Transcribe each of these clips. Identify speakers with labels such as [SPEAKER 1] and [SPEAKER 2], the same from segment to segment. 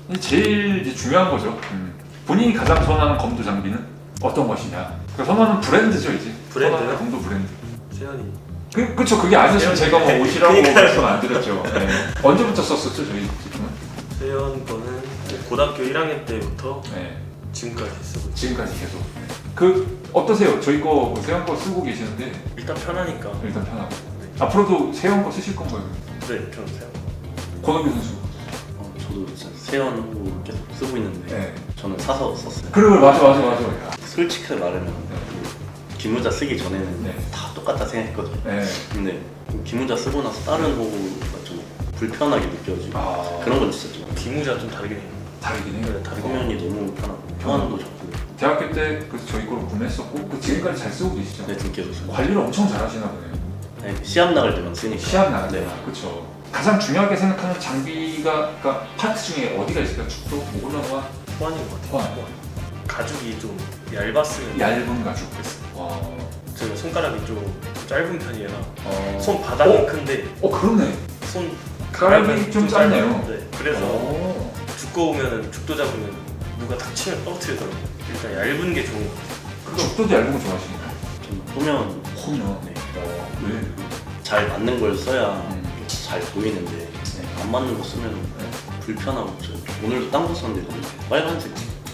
[SPEAKER 1] 제일 이제 중요한 거죠. 본인이 가장 선호하는 검도 장비는 어떤 것이냐. 그러니까 선호하는 브랜드죠 이제.
[SPEAKER 2] 브랜드요?
[SPEAKER 1] 선호하는 검도 브랜드.
[SPEAKER 2] 세연이.
[SPEAKER 1] 그쵸. 그게 아니었으면 제가 뭐 옷이라고 말씀 안 드렸죠. 네. 언제부터 썼었죠 저희 제품은?
[SPEAKER 2] 세연 거는 고등학교 1학년 때부터
[SPEAKER 1] 네.
[SPEAKER 2] 지금까지 쓰고 있어요.
[SPEAKER 1] 지금까지 계속. 그 어떠세요? 저희 거 세영 거 쓰고 계시는데
[SPEAKER 2] 일단 편하니까.
[SPEAKER 1] 일단 편하고. 앞으로도 세영 거 쓰실 건가요?
[SPEAKER 2] 네, 저는 세연.
[SPEAKER 1] 권호규 선수.
[SPEAKER 3] 저도 진짜 세연으로 계속 쓰고 있는데
[SPEAKER 1] 네.
[SPEAKER 3] 저는 사서 썼어요.
[SPEAKER 1] 그래 맞아. 야.
[SPEAKER 3] 솔직하게 말하면 기무자 쓰기 전에는
[SPEAKER 1] 네.
[SPEAKER 3] 다 똑같다 생각했거든요.
[SPEAKER 1] 네.
[SPEAKER 3] 근데 기무자 쓰고 나서 다른 호구가 좀 불편하게 느껴지고
[SPEAKER 1] 아
[SPEAKER 3] 그런 건 진짜 좀
[SPEAKER 2] 기무자 좀 다르긴 해요.
[SPEAKER 1] 다르긴 해요.
[SPEAKER 2] 네, 다르긴
[SPEAKER 3] 화면이 너무 편하고 표현도 좋고
[SPEAKER 1] 대학교 때 그래서 저희 거를 구매했었고 그 지금까지 잘 쓰고 계시죠?
[SPEAKER 3] 네, 좀 계속 써요.
[SPEAKER 1] 관리를 엄청 잘하시나 보네요.
[SPEAKER 3] 네, 시합 나갈 때만 쓰니까
[SPEAKER 1] 시합 나갈 때.
[SPEAKER 3] 네.
[SPEAKER 1] 그렇죠. 가장 중요하게 생각하는 장비가 그러니까 파트 중에 어디가 있을까요? 축도, 모글라와
[SPEAKER 2] 호환인 것 같아요.
[SPEAKER 1] 호환.
[SPEAKER 2] 가죽이 좀 얇았으면
[SPEAKER 1] 얇은 가죽. 와.
[SPEAKER 2] 제가 손가락이 좀 짧은 편이라
[SPEAKER 1] 어.
[SPEAKER 2] 손 바닥은 큰데
[SPEAKER 1] 그러네.
[SPEAKER 2] 손
[SPEAKER 1] 가락이 좀 짧네요.
[SPEAKER 2] 네, 그래서
[SPEAKER 1] 오.
[SPEAKER 2] 두꺼우면 죽도 잡으면 누가 탁 치면 떨어뜨리더라고요. 일단 얇은 게 좋은 것 같아요.
[SPEAKER 1] 죽도도 얇은 거 좋아하시니까.
[SPEAKER 3] 좀 보면
[SPEAKER 1] 홈이요.
[SPEAKER 3] 네,
[SPEAKER 1] 왜?
[SPEAKER 3] 잘 맞는 걸 써야 잘 보이는데
[SPEAKER 1] 네.
[SPEAKER 3] 안 맞는 거 쓰면 불편하고 오늘도 딴 거 썼는데 빨간색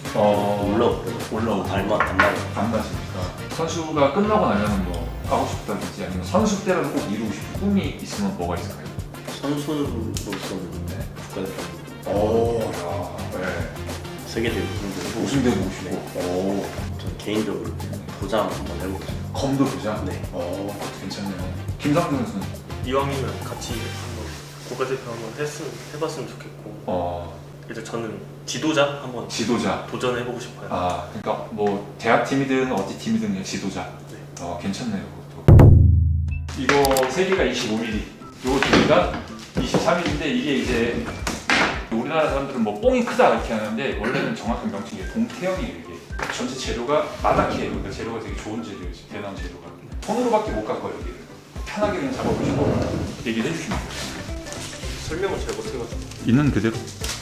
[SPEAKER 3] 올라오고 안 맞아요.
[SPEAKER 1] 안 맞으니까. 선수가 끝나고 나면 뭐 하고 싶다든지 아니면 선수 때라도 꼭 이루고 싶은 꿈이 있으면 뭐가 있을까요?
[SPEAKER 3] 선수로서는
[SPEAKER 1] 네.
[SPEAKER 3] 국가대표
[SPEAKER 1] 오, 야, 네.
[SPEAKER 3] 세계대회
[SPEAKER 1] 우승대도 오시고. 오,
[SPEAKER 3] 저는 개인적으로 도장 한번 해보고 싶어요.
[SPEAKER 1] 검도 도장.
[SPEAKER 3] 네.
[SPEAKER 1] 그것도 괜찮네요. 김상준 선수는
[SPEAKER 2] 이왕이면 같이 한번 국가대표 한번 해봤으면 좋겠고 일단 저는 지도자 한번
[SPEAKER 1] 지도자.
[SPEAKER 2] 도전해보고 싶어요.
[SPEAKER 1] 아, 그러니까 뭐 대학 팀이든 어디 팀이든 그냥 지도자.
[SPEAKER 2] 네.
[SPEAKER 1] 괜찮네요. 그것도. 이거 세 개가 25mm, 요거 두 개가 23mm인데 이게 이제 우리나라 사람들은 뭐 뽕이 크다 이렇게 하는데 원래는 정확한 명칭이 동태형이에요. 이게 전체 재료가 마다키예요. 그러니까 재료가 되게 좋은 재료예요. 대나무 재료가. 손으로밖에 못 깎아요. 여기를. 편하게 그냥 잡아보시고 얘기를 해주시면 돼요.
[SPEAKER 2] 설명을 잘 못해가지고.
[SPEAKER 1] 있는 그대로.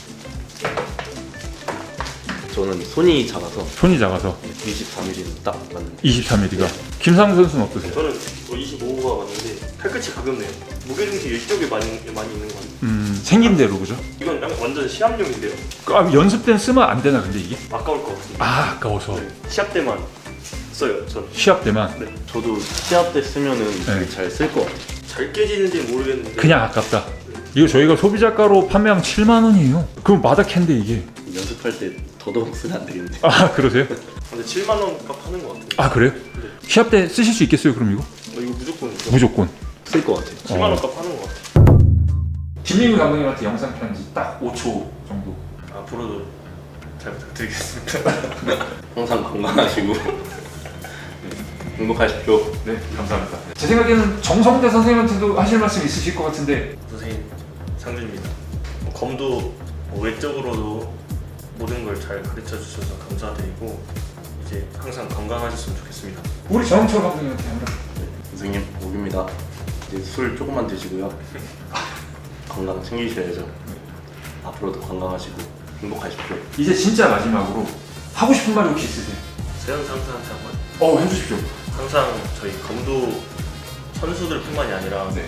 [SPEAKER 3] 저는 손이 작아서
[SPEAKER 1] 손이 작아서
[SPEAKER 3] 23mm는 딱 맞는데
[SPEAKER 1] 23mm가. 김상준 선수는 어떠세요?
[SPEAKER 2] 저는 25호가 맞는데 팔끝이 가볍네요. 무게중심이 이쪽에 많이 있는 거 같아요.
[SPEAKER 1] 생긴 대로 그죠?
[SPEAKER 2] 이건 완전 시합용인데요.
[SPEAKER 1] 연습 때는 쓰면 안 되나 근데 이게?
[SPEAKER 2] 아까울 것 같은데.
[SPEAKER 1] 아까워서.
[SPEAKER 2] 네, 시합 때만 써요. 전
[SPEAKER 1] 시합 때만.
[SPEAKER 2] 네.
[SPEAKER 3] 저도 시합 때 쓰면은
[SPEAKER 1] 네.
[SPEAKER 3] 되게 잘 쓸 것 같아요.
[SPEAKER 2] 잘 깨지는지 모르겠는데
[SPEAKER 1] 그냥 아깝다. 이거 저희가 소비자가로 판매하면 7만 원이에요. 그럼 마다캔데 이게.
[SPEAKER 3] 연습할 때 더더욱 쓰면 안 되겠는데
[SPEAKER 1] 아 그러세요?
[SPEAKER 2] 근데 7만 원 값 하는 것 같아요.
[SPEAKER 1] 아 그래요?
[SPEAKER 2] 네.
[SPEAKER 1] 시합 때 쓰실 수 있겠어요 그럼 이거?
[SPEAKER 2] 이거 무조건
[SPEAKER 1] 무조건.
[SPEAKER 3] 쓸 것 같아요.
[SPEAKER 2] 7만 원 값 하는 것 같아요.
[SPEAKER 1] 김민우 감독님한테 영상 편지 딱 5초 정도.
[SPEAKER 2] 앞으로도 잘 부탁드리겠습니다.
[SPEAKER 3] 항상 건강하시고 행복하십시오.
[SPEAKER 1] 네 감사합니다. 제 생각에는 정성대 선생님한테도 하실 말씀 있으실 것 같은데.
[SPEAKER 2] 선생님 상준입니다. 검도 외적으로도 모든 걸 잘 가르쳐 주셔서 감사드리고 이제 항상 건강하셨으면 좋겠습니다.
[SPEAKER 1] 우리 정철 감독님한테 한번.
[SPEAKER 3] 선생님 목입니다. 이제 술 조금만 드시고요. 건강 챙기셔야죠. 앞으로도 건강하시고 행복하십시오.
[SPEAKER 1] 이제 진짜 마지막으로 하고 싶은 말 혹시 있으세요?
[SPEAKER 2] 세연 상사한테 한번
[SPEAKER 1] 해주십시오.
[SPEAKER 2] 항상 저희 검도 선수들뿐만이 아니라
[SPEAKER 1] 네.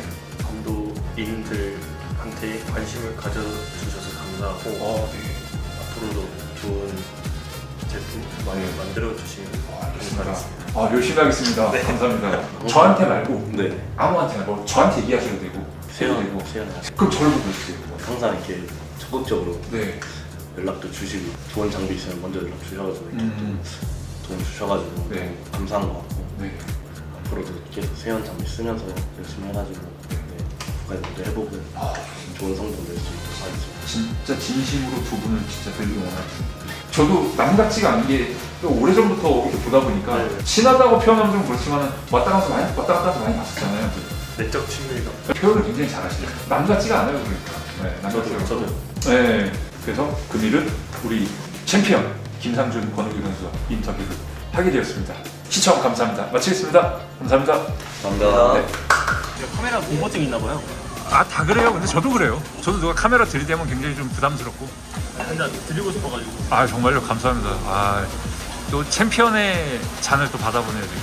[SPEAKER 2] 검도인들한테 관심을 가져주셔서 감사하고
[SPEAKER 1] 네.
[SPEAKER 2] 앞으로도 좋은 제품 많이 만들어 주시면 감사하겠습니다.
[SPEAKER 1] 열심히 하겠습니다.
[SPEAKER 2] 네.
[SPEAKER 1] 감사합니다. 저한테 말고
[SPEAKER 3] 네.
[SPEAKER 1] 아무한테나 뭐 저한테 얘기하셔도 되고.
[SPEAKER 3] 세연
[SPEAKER 1] 그럼 저를 보고 해주세요.
[SPEAKER 3] 항상 이렇게 적극적으로
[SPEAKER 1] 네.
[SPEAKER 3] 연락도 주시고 좋은 장비 있으면 먼저 연락 주셔가지고 이렇게 도움 주셔가지고
[SPEAKER 1] 네.
[SPEAKER 3] 감사한 것 같고
[SPEAKER 1] 네.
[SPEAKER 3] 앞으로도 계속 세연 장비 쓰면서 열심히 해가지고 국가대표도 해보고 좋은 성적 낼 수 있도록 하겠습니다.
[SPEAKER 1] 진짜 진심으로 두 분을 진짜 되게 원하겠습니다. 저도 남 같지가 않은 게 오래전부터 이렇게 보다 보니까
[SPEAKER 2] 네.
[SPEAKER 1] 친하다고 표현하면 좀 그렇지만 왔다 갔다 해서 많이 봤었잖아요.
[SPEAKER 2] 내적 친밀감.
[SPEAKER 1] 표현을 굉장히 잘하시네요. 남 같지가 않아요, 그러니까. 네, 남 같지가 않고.
[SPEAKER 2] 저도.
[SPEAKER 1] 네, 그래서 금일은 우리 챔피언 김상준 권우규 선수와 인터뷰를 하게 되었습니다. 시청 감사합니다. 마치겠습니다. 감사합니다.
[SPEAKER 3] 감사합니다.
[SPEAKER 1] 네.
[SPEAKER 2] 카메라 공포증 있나 봐요.
[SPEAKER 1] 아, 다 그래요. 근데 저도 그래요. 저도 누가 카메라 들이대면 굉장히 좀 부담스럽고.
[SPEAKER 2] 한잔 드리고 싶어가지고.
[SPEAKER 1] 아, 정말요. 감사합니다. 아, 또 챔피언의 잔을 또 받아보네요, 지금.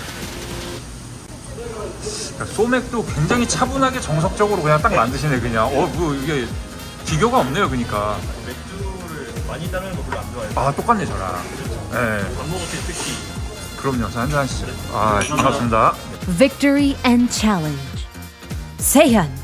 [SPEAKER 1] 그러니까 소맥도 굉장히 차분하게 정석적으로 그냥 딱 만드시네, 그냥. 뭐 이게 비교가 없네요, 그러니까.
[SPEAKER 2] 맥주를 많이 따르는 거 별로 안 좋아해요.
[SPEAKER 1] 아, 똑같네, 저랑. 네.
[SPEAKER 2] 밥 먹을 때 특히.
[SPEAKER 1] 그럼요. 한잔 하시죠. 아, 반갑습니다.
[SPEAKER 4] Victory and challenge. 세현